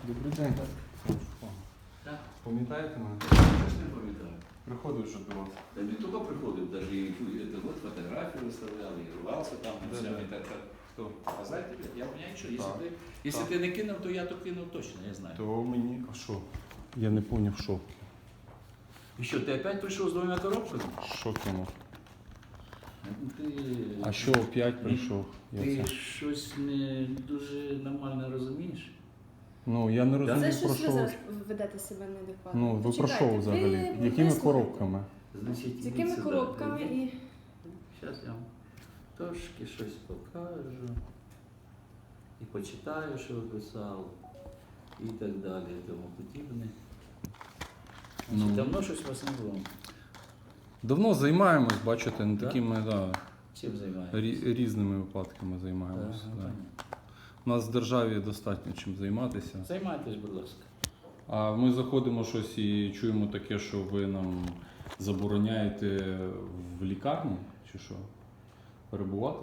Добрий день. Так. Пам'ятаєте мене? Я ж не пам'ятаю. Приходив вже до вас. Та не тільки приходив, навіть вот фотографію виставляли, і рвався там, і все. І так. Хто? А знаєте, я мене що, Так. якщо Так. ти не кинув, то я то кинув точно, я знаю. То мені... А що? Я не поняв, що. І що, ти опять прийшов з двома коробками? Що кинув? Ти, А що опять прийшов? ти Я це... щось не дуже нормально розумієш? Ну, я не За розумію, що про ви що. зараз ведете себе неадекватно? Ну, ви про Почекайте, що взагалі? ви Якими вислухайте. коробками? Значить, З якими коробками і... Зараз я вам трошки щось покажу. І почитаю, що ви писали. І так далі, і тому подібне. Ну. Давно щось у вас не було. Давно займаємось, бачите, не Да? такими, да, Чим займаєтесь? різними випадками займаємося. Так, Да. понятно. У нас в державі достатньо чим займатися. Займайтесь, будь ласка. А ми заходимо щось і чуємо таке, що ви нам забороняєте в лікарні, чи що? Перебувати?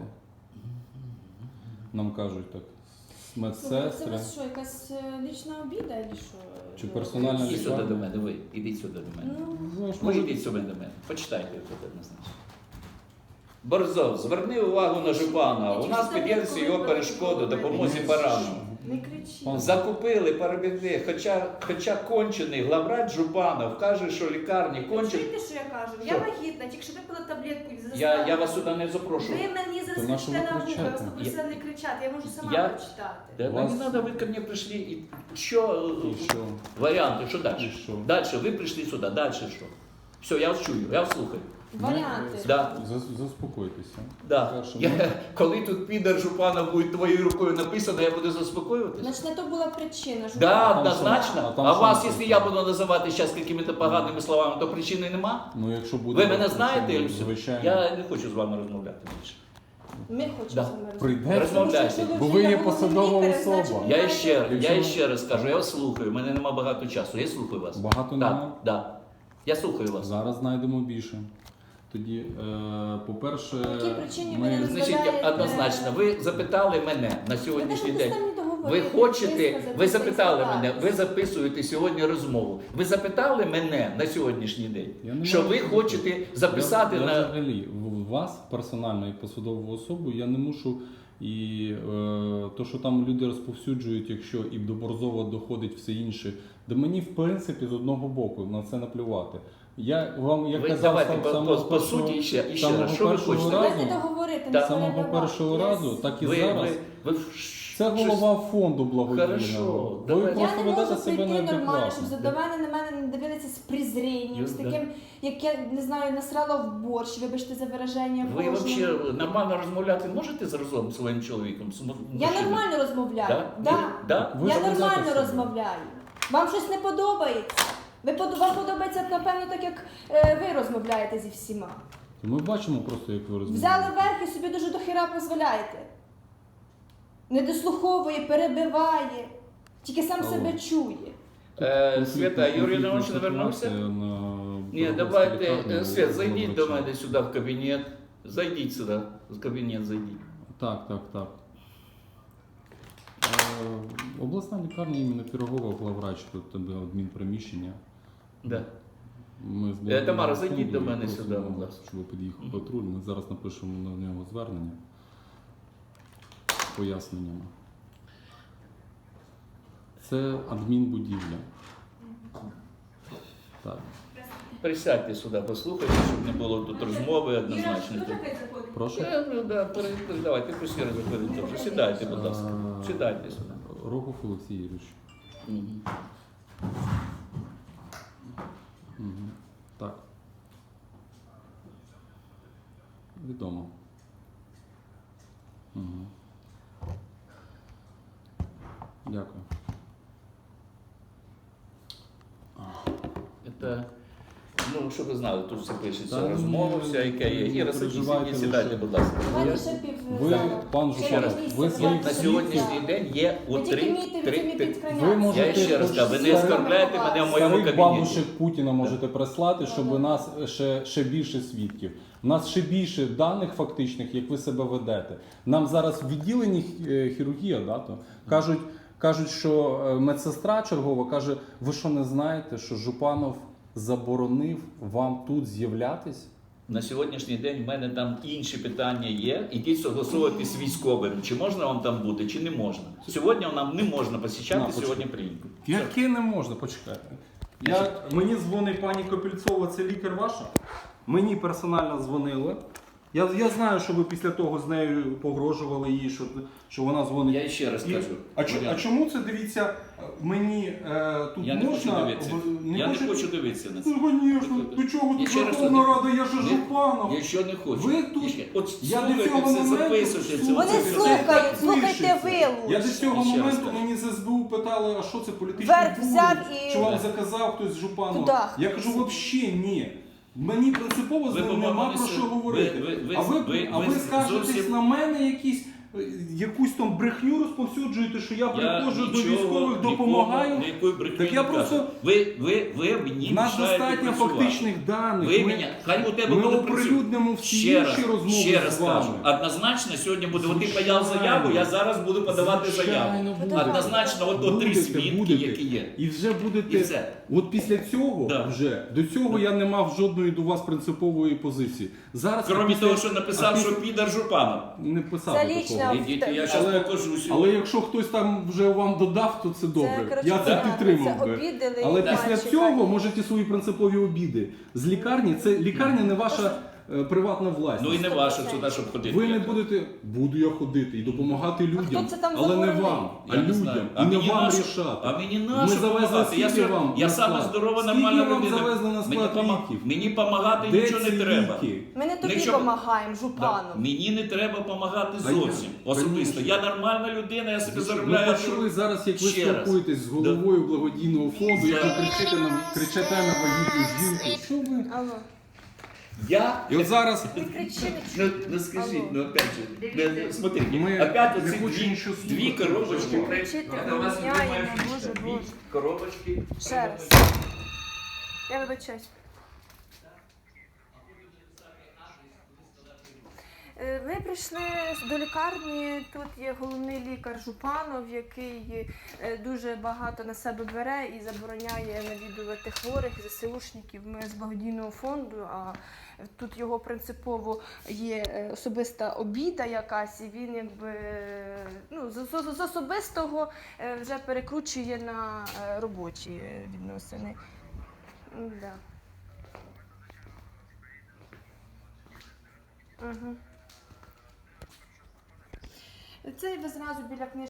Нам кажуть так. Це Медсестри. у вас що, якась лічна обіда, чи що? Чи персональна Ідіть сюди лікарня? до мене, ви. Ідіть сюди до мене. Ну, Ну, ж Ви може, йдіть сюди до мене. Почитайте тут однозначно. Борзов, зверни увагу на Жупана. У нас під'єднується його перешкоду допомозі барану. не кричіть. Пан- Закупили перебігли, хоча кончений главврач Жупанов каже, що лікарні Ви кончені. чуєте, що я кажу? Що? Я вагітна, тільки що випила таблетку і заставила. Я вас сюди не запрошую. Ви мені зараз То на що кричите ви на вухо, я вас кричите? попросила не кричати, я можу сама Я- прочитати. Да, Вас- не треба, ви ко мне прийшли. І що, І що? варіанти, що далі? І що? Далі, ви прийшли сюди, далі що? Все, я вас чую, я вас слухаю. Варіанти. Да. Заспокойтеся. Да. Перше, Коли тут підар Жупанов буде твоєю рукою написано, я буду заспокоюватися? Значить, на то була причина. що Да, там однозначно. що? А там А що вас, написано? якщо я буду називати зараз якими-то поганими словами, то причини нема? Ну, якщо буде... Ви мене знаєте, причина, Ільсю? звичайно. Я не хочу з вами розмовляти більше. Ми хочемо Да. з вами Прийдеться. Розмовляйте. Бо ви є посадова особа. Я ще раз кажу, я вас слухаю, у мене нема багато часу, я слухаю вас. Багато Так, немає? да. Я слухаю вас. Зараз знайдемо більше. Тоді, по-перше, По якій причині ви ми... не Значить, розглядаєте- однозначно, ви запитали мене на сьогоднішній день. Ви Ви хочете, ви запитали мене, ви записуєте сьогодні розмову. Ви запитали мене на сьогоднішній день, Я не що можу ви запитати. хочете записати я на. взагалі, вас, персонально і посадову особу, я не мушу. І то, що там люди розповсюджують, якщо і до Борзова доходить все інше, да мені, в принципі, з одного боку на це наплювати. Я вам, як Ви казав, давайте сам- по самого суті першого- ще самого раз, що ви першого хочете? разу- Давайте договорити, Да. не самого перебивати. першого разу, так і Ви, зараз. ви Це голова фонду Хорошо, благодійного. Ви давайте. Я просто не ведете можу себе прийти нормально, неадекватно. щоб задавали на мене не дивилися з презрінням, з Да. таким, як я не знаю, насрала в борщ, вибачте за вираження. Ви Божому. взагалі нормально розмовляти можете з разом своїм чоловіком? Я нормально розмовляю. Да? Да. Да? Ви Я заведете нормально себе. розмовляю. Вам щось не подобається? Вам подобається, напевно, так як ви розмовляєте зі всіма. Ми бачимо просто, як ви розмовляєте. Взяли верх і собі дуже дохіра дозволяєте. Не дослуховує, перебиває, тільки сам Алло. себе чує. Свята, Юрій Іванович не вернувся? Ні, давайте, Свет, зайдіть до мене сюди в кабінет. Зайдіть сюди, в кабінет зайдіть. Так. Обласна лікарня імені Пірогова, главврач, тут тебе адмінприміщення. Да. Ми з Тамара, зайдіть фонду до мене просимо, сюди, будь ласка. Щоб ви під'їхав патруль. Ми зараз напишемо на нього звернення з поясненнями. Це адмінбудівля. Так. Присядьте сюди, послухайте, щоб не було тут розмови однозначно. Прошу. Давайте, пусть заходить теж. Сідайте, будь ласка. Сідайте сюди. Рогов Олексій Юрійович. Мгм. Угу. Так. Відомо. Угу. Дякую. Це, ну, щоб ви знали, тут все пишеться, Та, розмова ну, вся, яка є. Іра, переживайте сідайте, лише. будь ласка. Давайте ще пів Ви, зала. пан Ще Жупанов, місце ви взяти. своїх На Світло. сьогоднішній день є у Ви тільки три. вмійте від Ви підкреняти. можете Я ще раз кажу, ви не старих- оскорбляйте мене в моєму Старих кабінеті. бабушек Путіна можете прислати, щоб у нас ще більше свідків. У нас ще більше даних фактичних, як ви себе ведете. Нам зараз в відділенні хірургія, да, то, кажуть, Кажуть, що медсестра чергова каже, ви що не знаєте, що Жупанов заборонив вам тут з'являтись? На сьогоднішній день в мене там інші питання є, ідіть согласовувати з військовим, чи можна вам там бути, чи не можна. Сьогодні нам не можна посічати На, сьогодні клініку. Яке не можна, почекайте. Мені дзвонить пані Копільцова, це лікар ваша. Мені персонально дзвонили. Я знаю, що ви після того з нею погрожували їй, що вона дзвонить. Я ще раз кажу. А чому це, дивіться, мені тут Я не можна? хочу дивитися. Я не хочу дивитися на це. Ну, звісно, до чого Я тут ще раз Верховна кажу. Рада, я же Жупанов. Якщо не хочу. Ви тут- От Я до слухайте цього все, моменту записуйте це. Вони оце все. слухають, слухайте ви Я до лучше. цього Ще раз моменту кажу. мені з СБУ питали, а що це політичний Верх взяв і- Що вам заказав хтось з Жупанова? Туда. Я кажу, взагалі ні. Мені принципово з Ви ним нема про помилилися. що говорити. Ви А ви скажетесь зовсім- на мене якусь там брехню розповсюджуєте, що я приходжу до нічого, військових, допомагаю. Ніякої брехні Так я не просто- кажу. Ви мені В нас мішаєте достатньо працювати. фактичних даних. Ви мене, хай у тебе ми буде оприлюднимо всі ще інші раз, розмови ще раз з вами. кажу. Однозначно сьогодні буде. От ти Звичайно. подав заяву, я зараз буду подавати Звичайно, заяву. будете. Однозначно, от три свідки, які є. І вже будете. І все. От після цього Да. вже до цього я не мав жодної до вас принципової позиції. Зараз Крім після- того, що написав, а що після- підар Жупанов. не писав Це такого. лічно. Ідіть, я зараз покажу Але сьогодні. якщо хтось там вже вам додав, то це добре. коротше, Я це понятно, підтримав це би. обідали Але і після мальчика. цього можете свої принципові обіди. З лікарні, це лікарня не ваша приватна власність. Ну і не ваше сюди, щоб ходити. Ви не будете, буду я ходити і допомагати людям, хто це там але не заборонив? вам, а Я не людям. знаю. І не мені вам нащо- рішати. А мені Ми нащо завезли допомагати? скільки вам Я на сама склад? здорова, Скільки нормальна вам людина. завезли на склад ліків? Мені допомагати Де нічого ці не треба. ліки? Ми не тобі Нічого- допомагаємо, Да. Жупану. Мені не треба допомагати А я- зовсім. Особисто. Конечно. Я нормальна людина, я собі Ми заробляю. почули зараз, як ви Ще раз. спілкуєтесь з головою благодійного фонду, як ви кричите на вагітну жінку. Що ви? Алло. Я І от зараз Не кричи, не Ну скажіть, Алло. ну опять же, смотрите, Ми опять не оці хочемо нічого дві слухати. коробочки. Кричити Це у вас міняємо, любима фішка. Боже, Дві Боже. коробочки. Ще раз. Я вибачаюсь. Ми прийшли до лікарні, тут є головний лікар Жупанов, який дуже багато на себе бере і забороняє навідувати хворих, ЗСУшників. Ми з благодійного фонду, а тут його принципово є особиста обіда якась, і він якби ну, з особистого вже перекручує на робочі відносини. Да. Це ви зразу біля книжки.